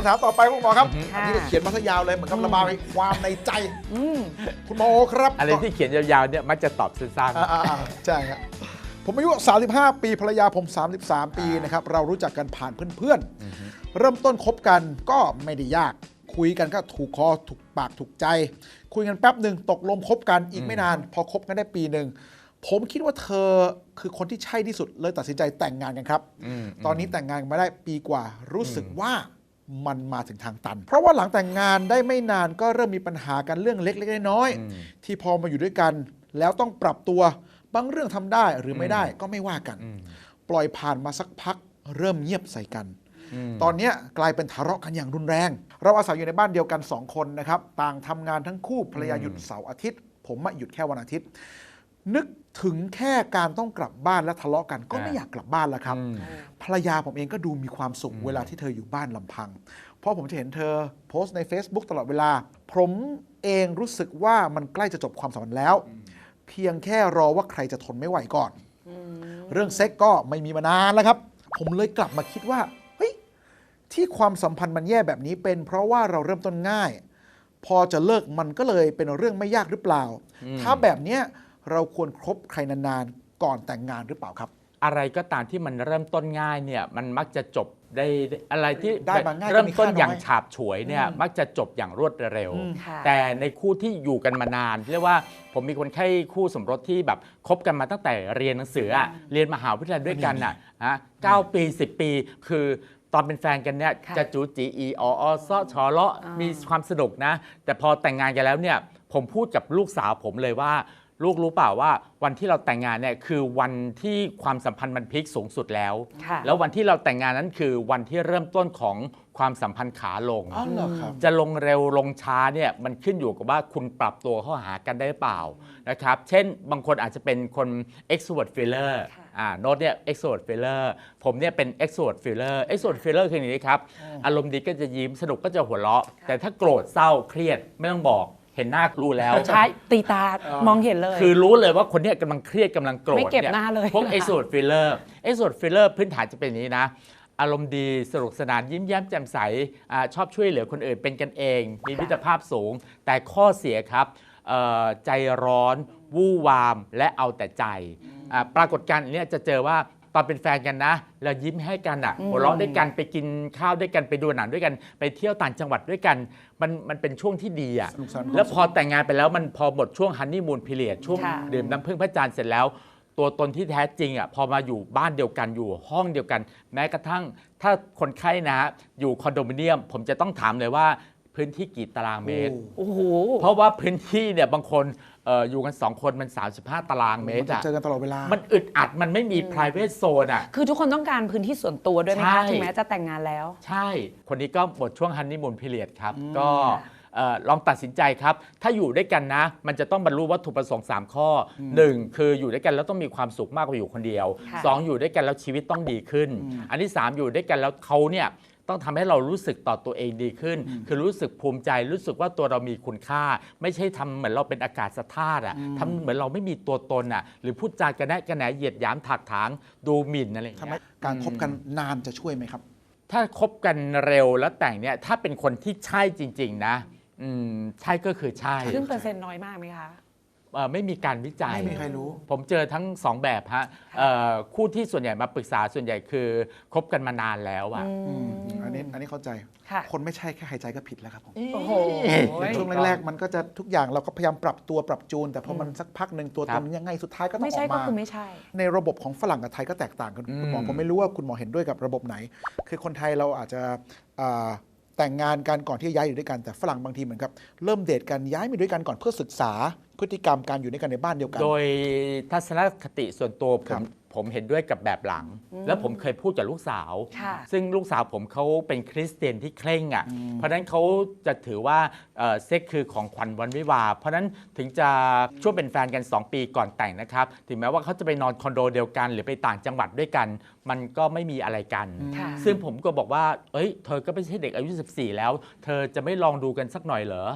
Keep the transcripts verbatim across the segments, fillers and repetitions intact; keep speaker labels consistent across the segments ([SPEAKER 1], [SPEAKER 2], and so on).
[SPEAKER 1] ำถามต่อไปคุณหมอครับ
[SPEAKER 2] ค่ะ
[SPEAKER 1] อันนี้ก็เขียนมาซะยาวเลยเหมือนกับระบายความในใจ
[SPEAKER 2] อืม
[SPEAKER 1] คุณหมอครับ
[SPEAKER 3] อะไรที่เขียนยาวๆเนี่ยมักจะตอบสั้น
[SPEAKER 1] อ่าๆๆใช่ครับผมอายุสามสิบห้าปีภรรยาผมสามสิบสามปีนะครับเรารู้จักกันผ่านเพื่อนๆเริ่มต้นคบกันก็ไม่ได้ยากคุยกันก็ถูกคอถูกปากถูกใจ คุยกันแป๊บหนึ่งตกลงคบกันอีกไม่นาน พอคบกันได้ปีหนึ่งผมคิดว่าเธอคือคนที่ใช่ที่สุดเลยตัดสินใจแต่งงานกันครับ
[SPEAKER 3] อืม
[SPEAKER 1] ตอนนี้แต่งงานกันมาได้ปีกว่ารู้สึกว่ามันมาถึงทางตัน เพราะว่าหลังแต่งงานได้ไม่นานก็เริ่มมีปัญหากันเรื่องเล็กๆน้อย
[SPEAKER 3] อืม
[SPEAKER 1] ๆที่พอมาอยู่ด้วยกัน แล้วต้องปรับตัวบางเรื่องทำได้หรือไม่ได้ก็ไม่ว่ากัน
[SPEAKER 3] อืม
[SPEAKER 1] ปล่อยผ่านมาสักพักเริ่มเงียบใส่กัน
[SPEAKER 3] อืม
[SPEAKER 1] ตอนเนี้ยกลายเป็นทะเลาะกันอย่างรุนแรง เราอาศัยอยู่ในบ้านเดียวกันสองคนนะครับต่างทำงานทั้งคู่ภรรยาหยุดเสาร์อาทิตย์ ผมอะหยุดแค่วันอาทิตย์ นึกถึงแค่การต้องกลับบ้านและทะเลาะกันก็ไม่อยากกลับบ้านแล้วครับ
[SPEAKER 3] อืม
[SPEAKER 1] ภรรยาผมเองก็ดูมีความสุขเวลาที่เธออยู่บ้านลำพัง เพราะผมจะเห็นเธอโพสต์ใน Facebook ตลอดเวลา ผมเองรู้สึกว่ามันใกล้จะจบความสัมพันธ์แล้ว เพียงแค่รอว่าใครจะทนไม่ไหวก่อน เรื่องเซ็กก็ไม่มีมานานแล้วครับ ผมเลยกลับมาคิดว่าเฮ้ยที่ความสัมพันธ์มันแย่แบบนี้เป็นเพราะว่าเราเริ่มต้นง่าย พอจะเลิกมันก็เลยเป็นเรื่องไม่ยากหรือเปล่า ถ้าแบบเนี้ยเราควรคบใครนานๆก่อนแต่งงานหรือเปล่าครับ
[SPEAKER 3] อะไรก็ตามที่มันเริ่มต้นง่ายเนี่ยมันมักจะจบได้อะไรที่
[SPEAKER 1] ได้มาง่ายก็
[SPEAKER 3] เริ่ม
[SPEAKER 1] มี
[SPEAKER 3] ต้น
[SPEAKER 1] ค่าน้อย
[SPEAKER 3] อย่างฉาบฉวยเนี่ย
[SPEAKER 1] อืม
[SPEAKER 3] มักจะจบอย่างรวดเร็ว
[SPEAKER 1] อืม
[SPEAKER 2] ค่ะ
[SPEAKER 3] แต่ในคู่ที่อยู่กันมานานเรียกว่าผมมีคนไข้คู่สมรสที่แบบคบกันมาตั้งแต่เรียนหนังสืออะเรียนมหาวิทยาลัยด้วยกันอ่ะฮะเก้าปีสิบปี คือตอนเป็นแฟนกันเนี่ย
[SPEAKER 2] ค่ะ
[SPEAKER 3] จะจูจีอีออซอชอเลาะ
[SPEAKER 2] อ่ามี
[SPEAKER 3] มีความสนุกนะ แต่พอแต่งงานกันแล้วเนี่ยผมพูดกับลูกสาวผมเลยว่า ลูกรู้เปล่าว่าวันที่เราแต่งงานเนี่ยคือวันที่ความสัมพันธ์มันพีคสูงสุดแล้ว
[SPEAKER 2] ค่ะ
[SPEAKER 3] แล้ววันที่เราแต่งงานนั้นคือวันที่เริ่มต้นของความสัมพันธ์ขาลง
[SPEAKER 1] อ๋อเหรอครับ
[SPEAKER 3] จะลงเร็วลงช้าเนี่ยมันขึ้นอยู่กับว่าคุณปรับตัวเข้าหากันได้หรือเปล่านะครับ เช่นบางคนอาจจะเป็นคน extrovert feeler
[SPEAKER 2] ค่ะ
[SPEAKER 3] อ่าโน้ตเนี่ย extrovert feeler ผมเนี่ยเป็น extrovert feeler extrovert feeler คืออย่างนี้ครับ อารมณ์ดีก็จะยิ้มสนุกก็จะหัวเราะ แต่ถ้าโกรธเศร้าเครียดไม่ต้องบอกเห็นหน้ารู้แล้ว
[SPEAKER 2] ใช่ตีตามองเห็นเลย
[SPEAKER 3] คือรู้เลยว่าคนเนี้ยกำลังเครียดกำลังโกรธ
[SPEAKER 2] ไม่เก็บ
[SPEAKER 3] นี่
[SPEAKER 2] หน้าเลย
[SPEAKER 3] พวก extrovert feeler extrovert feeler พื้นฐานจะเป็นอย่างนี้นะ อารมณ์ดีสนุกสนานยิ้มแย้มแจ่มใสอาชอบช่วยเหลือคนอื่นเป็นกันเอง มีมิตรภาพสูง แต่ข้อเสียครับเอ่อใจร้อน วู่วาม และเอาแต่ใจอ่าปรากฏการณ์อันเนี้ยจะเจอว่าตอนเป็นแฟนกันนะเรายิ้มให้กันอ่ะหัวเราะด้วยกันไปกินข้าวด้วยกันไปดูหนังด้วยกันไปเที่ยวต่างจังหวัดด้วยกันมันมันเป็นช่วงที่ดีอ่ะ
[SPEAKER 1] สนุกสนาน
[SPEAKER 3] แล้วพอแต่งงานไปแล้วมันพอหมดช่วงฮันนีมูนพีเรียดช่วง
[SPEAKER 2] ค่ะ
[SPEAKER 3] ดื่มน้ำผึ้งพระจันทร์เสร็จแล้ว ตัวตนที่แท้จริงอ่ะพอมาอยู่บ้านเดียวกันอยู่ห้องเดียวกัน แม้กระทั่งถ้าคนไข้นะฮะอยู่คอนโดมิเนียม ผมจะต้องถามเลยว่าพื้นที่กี่ตารางเมตร
[SPEAKER 2] โอ้โห
[SPEAKER 3] เพราะว่าพื้นที่เนี่ยบางคนเอ่ออยู่กันสองคนมันสามสิบห้าตารางเมต
[SPEAKER 1] มัน
[SPEAKER 3] ร
[SPEAKER 1] จะ
[SPEAKER 3] อะ
[SPEAKER 1] เจอกันตลอดเวลา
[SPEAKER 3] มันอึดอัดมันไม่มี private zone อ่ะ
[SPEAKER 2] คือทุกคนต้องการพื้นที่ส่วนตัวด้วยไหม
[SPEAKER 3] ใช่
[SPEAKER 2] คะถึงแม้จะแต่งงานแล้ว
[SPEAKER 3] ใช่ คนนี้ก็หมดช่วงฮันนีมูนพีเรียดครับ ก็เอ่อลองตัดสินใจครับ ถ้าอยู่ด้วยกันนะ มันจะต้องบรรลุวัตถุประสงค์สามข้อหนึ่งคืออยู่ด้วยกันแล้วต้องมีความสุขมากกว่าอยู่คนเดียว
[SPEAKER 2] ค่ะ
[SPEAKER 3] สองอยู่ด้วยกันแล้วชีวิตต้องดีขึ้น อันที่สามอยู่ด้วยกันแล้วเขาเนี่ยต้องทำให้เรารู้สึกต่อตัวเองดีขึ้น คือรู้สึกภูมิใจ รู้สึกว่าตัวเรามีคุณค่า ไม่ใช่ทำเหมือนเราเป็นอากาศธาตุอ่ะทำเหมือนเราไม่มีตัวตนอ่ะ หรือพูดจากระแนะกระแหนเหยียดหยามถักถางดูหมิ่นอะไรอย่าง
[SPEAKER 1] ทำไม
[SPEAKER 3] เงี้ย
[SPEAKER 1] การคบกันนานจะช่วยไหมครับ
[SPEAKER 3] ถ้าคบกันเร็วแล้วแต่งเนี่ยถ้าเป็นคนที่ใช่จริง ๆ นะอืมใช่ก็คือใช่
[SPEAKER 2] ซึ่งเปอร์เซ็นต์น้อยมากไหมคะ
[SPEAKER 3] เอ่อไม่มีการวิจัย
[SPEAKER 1] ไม่มีใครรู้
[SPEAKER 3] ผมเจอทั้งสองแบบฮะเอ่อคู่ที่ส่วนใหญ่มาปรึกษาส่วนใหญ่คือคบกันมานานแล้วอะ
[SPEAKER 1] อืมอันนี้อันนี้เข้าใจ
[SPEAKER 2] ค่ะ
[SPEAKER 1] คนไม่ใช่แค่หายใจก็ผิดแล้วครับผม
[SPEAKER 2] โอ้โห
[SPEAKER 1] ช่วงแรกๆ มันก็จะทุกอย่างเราก็พยายามปรับตัวปรับจูน แต่พอมันสักพักหนึ่งตัว
[SPEAKER 3] ครั
[SPEAKER 1] ต
[SPEAKER 3] บ
[SPEAKER 1] นยังไงสุดท้ายก็ต้อง
[SPEAKER 2] ไม่
[SPEAKER 1] ออ
[SPEAKER 2] ใช่
[SPEAKER 1] ก
[SPEAKER 2] ก็
[SPEAKER 1] มา
[SPEAKER 2] คือไม่ใช่
[SPEAKER 1] ในระบบของฝรั่งกับไทยก็แตกต่างกันคุณหมอ
[SPEAKER 3] อืม
[SPEAKER 1] ผมไม่รู้ว่าคุณหมอเห็นด้วยกับระบบไหน คือคนไทยเราอาจจะอ่าแต่งงานกันก่อนที่จะย้ายอยู่ด้วยกันแต่ฝรั่งบางทีเหมือนกับเริ่มเดทกันย้ายมาด้วยกันก่อนเพื่อศึกษาพฤติกรรมการอยู่ด้วยกันในบ้านเดียวกัน
[SPEAKER 3] โดยทัศนคติส่วนตัวผ
[SPEAKER 1] ครั
[SPEAKER 3] ม
[SPEAKER 1] บ
[SPEAKER 3] ผมเห็นด้วยกับแบบหลัง แล้วผมเคยพูดกับลูกสาว
[SPEAKER 2] ค่ะ
[SPEAKER 3] ซึ่งลูกสาวผมเขาเป็นคริสเตียนที่เคร่งอ่ะ เพราะฉะนั้นเขาจะถือว่าเอ่อเซ็กคือของขวัญวันวิวาห์เพราะฉะนั้นถึงจะช่วงเป็นแฟนกัน สอง ปีก่อนแต่งนะครับ ถึงแม้ว่าเขาจะไปนอนคอนโดเดียวกัน หรือไปต่างจังหวัดด้วยกัน มันก็ไม่มีอะไรกัน
[SPEAKER 2] ค่ะ
[SPEAKER 3] ซึ่งผมก็บอกว่า เอ้ย เธอก็ไม่ใช่เด็กอายุ สิบสี่ แล้ว เธอจะไม่ลองดูกันสักหน่อยเหรอ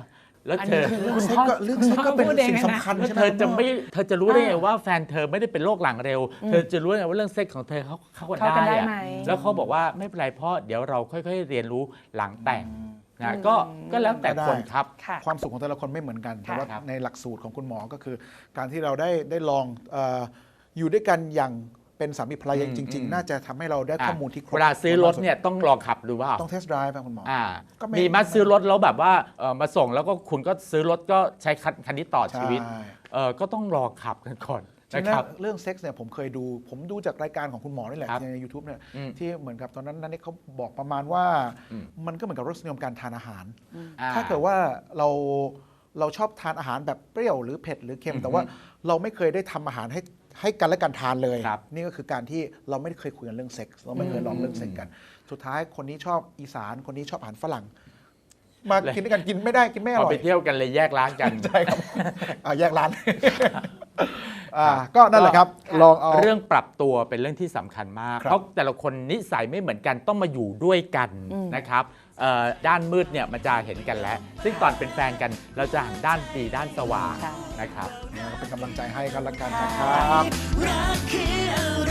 [SPEAKER 3] แล้ว
[SPEAKER 2] อัน
[SPEAKER 3] เธ
[SPEAKER 2] นี้
[SPEAKER 3] อ
[SPEAKER 2] คือ
[SPEAKER 1] เรื่อง
[SPEAKER 2] คุณ
[SPEAKER 1] เซ็ก
[SPEAKER 2] พ่อ
[SPEAKER 1] ก็เรื่อง
[SPEAKER 2] คุณ
[SPEAKER 1] เซ็ก
[SPEAKER 2] พ่อ
[SPEAKER 1] ก็เป็น
[SPEAKER 2] พูดเอง
[SPEAKER 1] สิ่ง
[SPEAKER 2] เลยนะ
[SPEAKER 1] สำคัญ
[SPEAKER 3] แล้ว
[SPEAKER 1] ใช่ไหม
[SPEAKER 3] เธอจะ
[SPEAKER 1] คุณพ่
[SPEAKER 3] ไม่เธอจะรู้ได้ไงว่าแฟนเธอไม่ได้เป็นโรคหลังเร็ว เธอจะรู้ได้ไงว่าเรื่องเซ็กของเธอเขาเข้ากัน
[SPEAKER 2] เข้ากัน
[SPEAKER 3] ได้
[SPEAKER 2] ได้
[SPEAKER 3] อะ
[SPEAKER 2] ไหม
[SPEAKER 3] แล้วเขาบอกว่าไม่เป็นไรพ่อเดี๋ยวเราค่อยๆ เรียนรู้หลังแต่งนะก็ก็แล้วแต่คนครับ
[SPEAKER 2] ค่ะ
[SPEAKER 1] ความสุขของแต่ละคนไม่เหมือนกัน แต่ว่า
[SPEAKER 3] ครับ
[SPEAKER 1] ในหลักสูตรของคุณหมอก็คือ การที่เราได้ได้ลองเอออยู่ด้วยกันอย่างเป็นสามีภรรยาจริง ๆ น่าจะทำให้เราได้ข้อมูลที่ครบ
[SPEAKER 3] เวลาซื้อรถเนี่ยต้องลองขับดูว่า
[SPEAKER 1] ต้องเทสต์ไดรฟ์ครับคุณหมอ
[SPEAKER 3] อ่า
[SPEAKER 1] ก็ไม่
[SPEAKER 3] มีมาซื้อรถแล้วแบบว่าเอ่อมาส่งแล้วก็คุณก็ซื้อรถก็ใช้คันคันนี้ต่อชีวิต
[SPEAKER 1] ใช่
[SPEAKER 3] เออก็ต้องลองขับกันก่อน
[SPEAKER 1] จริ
[SPEAKER 3] นะ
[SPEAKER 1] ง
[SPEAKER 3] ครับ
[SPEAKER 1] ๆเรื่องเซ็กส์เนี่ยผมเคยดู ผมดูจากรายการของคุณหมอนี่แหละ
[SPEAKER 3] ครับ
[SPEAKER 1] ใน YouTube เนี่ย
[SPEAKER 3] อืม
[SPEAKER 1] ที่เหมือนกับตอนนั้นนั่นนี่เขาบอกประมาณว่า
[SPEAKER 3] อืม
[SPEAKER 1] มันก็เหมือนกับรสนิยมการทานอาหาร
[SPEAKER 3] อ่
[SPEAKER 1] ถ้าเกิดว่าเราเราชอบทานอาหารแบบเปรี้ยวหรือเผ็ดหรือเค็
[SPEAKER 3] อื
[SPEAKER 1] ม
[SPEAKER 3] อฮึ
[SPEAKER 1] แต่ว่าเราไม่เคยได้ทำอาหารให้ให้กันและกันทานเลย
[SPEAKER 3] ครับ
[SPEAKER 1] นี่ก็คือการที่เราไม่ได้เคยคุยกันเรื่องเซ็กส์เราไม่เคยลองเรื่องเซ็กส์กัน สุดท้ายคนนี้ชอบอีสานคนนี้ชอบอาหารฝรั่ง มากินด้วยกันกินไม่ได้กินไม่อ
[SPEAKER 3] พอ
[SPEAKER 1] ร่อ
[SPEAKER 3] ไป
[SPEAKER 1] ย
[SPEAKER 3] เที่ยวกันเลยแยกร้านกัน
[SPEAKER 1] ใช่ครับอ่าแยกร้านอ่าก็นั่นแหละครับ ลองเอา
[SPEAKER 3] เรื่องปรับตัวเป็นเรื่องที่สำคัญมาก
[SPEAKER 1] ครับ
[SPEAKER 3] เพราะแต่ละคนนิสัยไม่เหมือนกันต้องมาอยู่ด้วยกันนะครับเอ่อด้านมืดเนี่ยมันจะเห็นกันแล้ว ซึ่งตอนเป็นแฟนกันเราจะหันด้านดีด้านสว่าง
[SPEAKER 2] ใช่
[SPEAKER 3] นะครับ
[SPEAKER 1] เป็นกำลังใจให้กันละกันนะครับ
[SPEAKER 4] รักคืออะไร